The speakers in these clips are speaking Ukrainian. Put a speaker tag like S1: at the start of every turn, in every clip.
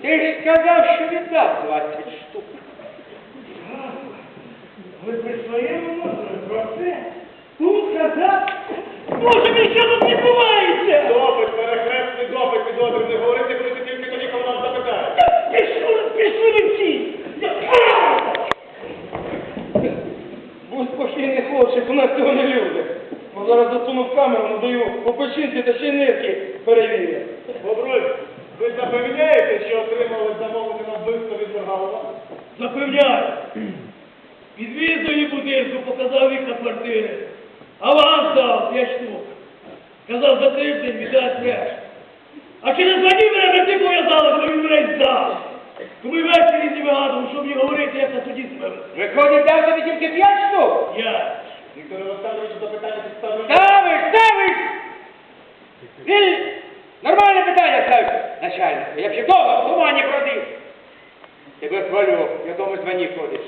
S1: Ти ж сказав, що віддав 20 штук.
S2: Ви при своєму мозку про це? Тут казав? Боже мій, що тут відбувається?
S3: Допит, перехресний допит, підозрюваний. Говорити будете тільки тоді, коли вас запитають.
S2: Пішли ви всі!
S4: Будь спокійний, хлопчик, у нас цього не люди. Бо зараз засуну в камеру, надаю по печінці та ще й нирки перевірю.
S3: Бобруй, ви запевняєте, що отримали замовлення на вбивство від Моргалова?
S2: Запевняю. Підвіз до її будинку, показав вікна квартири. Аванс дав 5 штук. Казав, за тиждень віддасть решту. А через 2 дні мене брати пов'язали, коли він мене здав. Тому й ввечері не вигадував, щоб мені говорити, як на суді себе.
S1: Виходить, дав тобі тільки 5 штук?
S2: Я.
S3: Віктор Олександрович, запитання підставлено.
S1: Ставиш! Ти нормальне питання ставиш, начальнику. Я б ще довго в тумані бродив. Тебе хвалю, в якому званні ходиш.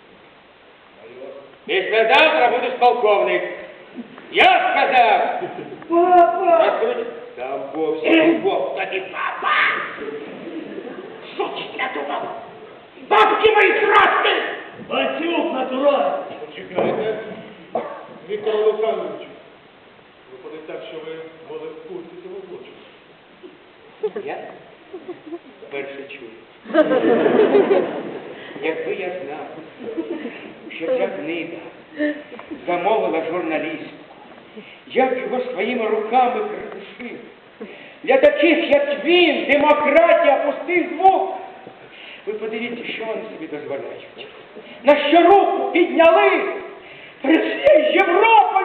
S1: Післязавтра будеш полковник. Я сказав!
S2: Папа!
S1: Розкрути. Там Бог тобі, папа! Що ти надумав? Бабки мої красти!
S2: Батюк натуральний.
S3: Почекайте. Віктор Олександрович, виходить так, що ви були в курсі цього злочину.
S1: Я вперше чую. Якби я знав, що ця книга замовила журналіст, я б його своїми руками придушив. Для таких, як він, демократія пустий звук. Ви подивіться, що вони собі дозволяють. На що руку підняли перед всією Європою.